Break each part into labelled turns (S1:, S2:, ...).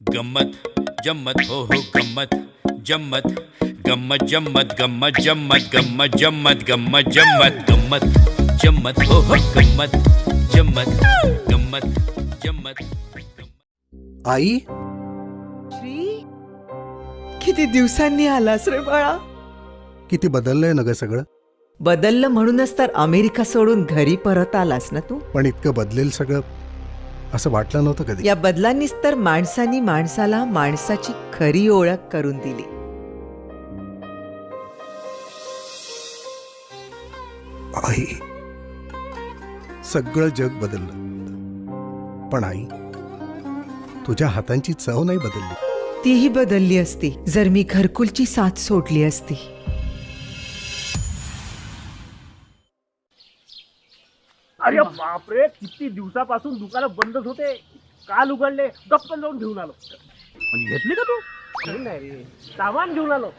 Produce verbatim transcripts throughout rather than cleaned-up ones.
S1: गम्मत जम्मत हो हो गम्मत जम्मत गम्मत जम्मत गम्मत जम्मत गम्मत जम्मत गम्मत जम्मत गम्मत जम्मत हो हो गम्मत जम्मत गम्मत जम्मत.
S2: आई,
S3: श्री, किती दिवसांनी आलास रे बाळा.
S2: किती बदललंय ना ग सगळं.
S3: बदललं म्हणूनच तर अमेरिका सोडून घरी परत आलास ना तू.
S2: पण इतकं बदलेल सगळं असं वाटलं नव्हतं कधी.
S3: या बदलांनीच तर माणसानी माणसाला माणसाची खरी ओळख करून दिली.
S2: आई, सगळं जग बदललं, पण आई तुझ्या हातांची चव नाही बदलली.
S3: तीही बदलली असती जर मी घरकुलची साथ सोडली असती.
S4: अरे बापरे, किती दिवसापासून दुकानं बंदच होते. काल उघडले, गप्पन जाऊन घेऊन आलो. म्हणजे घेतली का तू? नाही रे, सामान घेऊन आलो.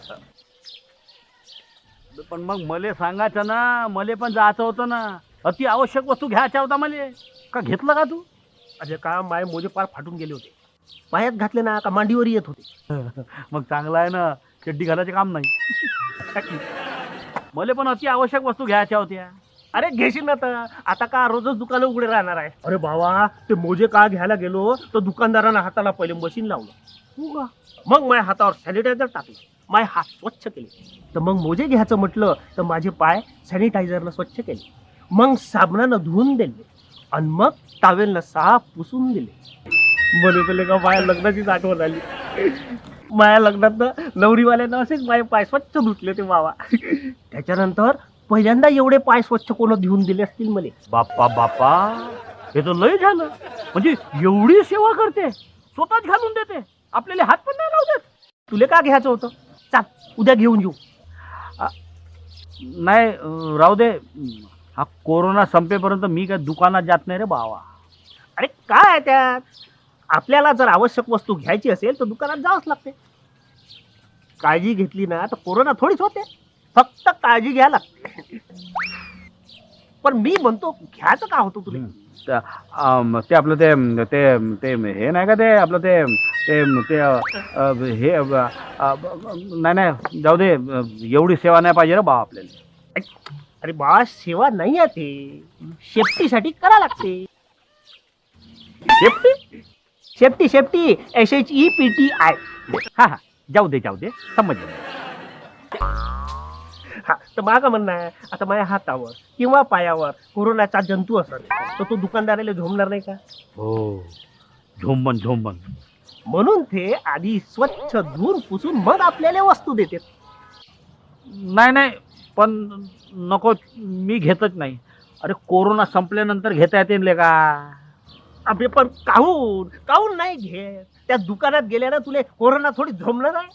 S5: पण मग मले सांगायचं ना, मले पण जायचं होतं ना. अति आवश्यक वस्तू घ्यायच्या होता मले. का घेतलं का तू?
S4: अरे का माय मोजे पार फाटून गेले होते. पायात घातले ना का मांडीवर येत होते.
S5: मग चांगलं आहे ना, चड्डी घालायचे काम नाही. मले पण अति आवश्यक वस्तू घ्यायच्या होत्या.
S4: अरे घेशील ना तर. आता का रोजच दुकानं उघडे राहणार आहे. अरे बाबा, ते मोजे का घ्यायला गेलो तर दुकानदारानं हाताला पहिले मशीन लावलं. मग माझ्या हातावर सॅनिटायझर टाकलं, माय हात स्वच्छ केले. तर मग मोजे घ्यायचं म्हटलं तर माझे पाय सॅनिटायझरनं स्वच्छ केले. मग साबणानं धुवून दिले आणि मग टावेलनं साफ पुसून दिले. म्हणे तुले का माझ्या लग्नाचीच आठवण आली. माझ्या लग्नात नवरीवाल्यानं असेच माझे पाय स्वच्छ धुतले ते बाबा. त्याच्यानंतर पहिल्यांदा एवढे पाय स्वच्छ कोण धुवून दिले असतील मले.
S5: बाप्पा बाप्पा, हे तर लय झालं. म्हणजे एवढी सेवा करते, स्वतःच घालून देते, आपल्याला हात पण नाही लावतात.
S4: तुले का घ्यायचं होतं? चाल उद्या घेऊन येऊ.
S5: नाही अं, राहू दे. हा कोरोना संपेपर्यंत मी काय दुकानात जात नाही रे बावा.
S4: अरे काय आहे त्यात? आपल्याला जर आवश्यक वस्तू घ्यायची असेल तर दुकानात जावंच लागते. काळजी घेतली ना तर कोरोना थोडीच होते. फक्त काळजी घ्या लागते. पण मी म्हणतो घ्यायचं का होतं तुला?
S5: त- अं, ते आपलं ते ते ते हे नाही का, ते आपलं ते ते ते अ, हे अ, अ, नाही नाही जाऊ दे. एवढी सेवा नाही पाहिजे रे बा आपल्याला.
S4: अरे बा, सेवा नाही आहे ते. सेफ्टीसाठी करा लागते.
S5: Safety.
S4: Safety safety S H E P T I.
S5: हा हा, जाऊ दे जाऊ दे, समजलं.
S4: हा, तर माझं म्हणणं आहे, आता माझ्या हातावर किंवा पायावर कोरोनाचा जंतू असेल तर तो दुकानदाराला झोमणार नाही का?
S5: हो, झोंबन झोंबन.
S4: म्हणून ते आधी स्वच्छ धुवून पुसून मग आपल्याला वस्तू देते.
S5: नाही नाही, पण नको, मी घेतच नाही. अरे कोरोना संपल्यानंतर घेता येते का?
S4: अबे पण काहून काहून नाही घेत? त्या दुकानात गेल्यानं तुले कोरोना थोडी झोमणार आहे.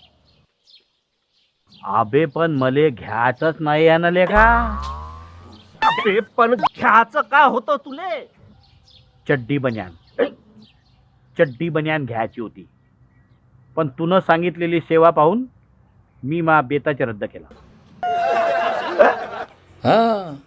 S5: अबे पण मले घ्यायचंच नाही आहे ना लेका.
S4: अबे पण घ्यायचं का होतं तुले?
S5: चड्डी बन्यान चड्डी बन्यान घ्यायची होती, पण तुनं सांगितलेली सेवा पाहून मी मा बेताच रद्द केला.
S1: हा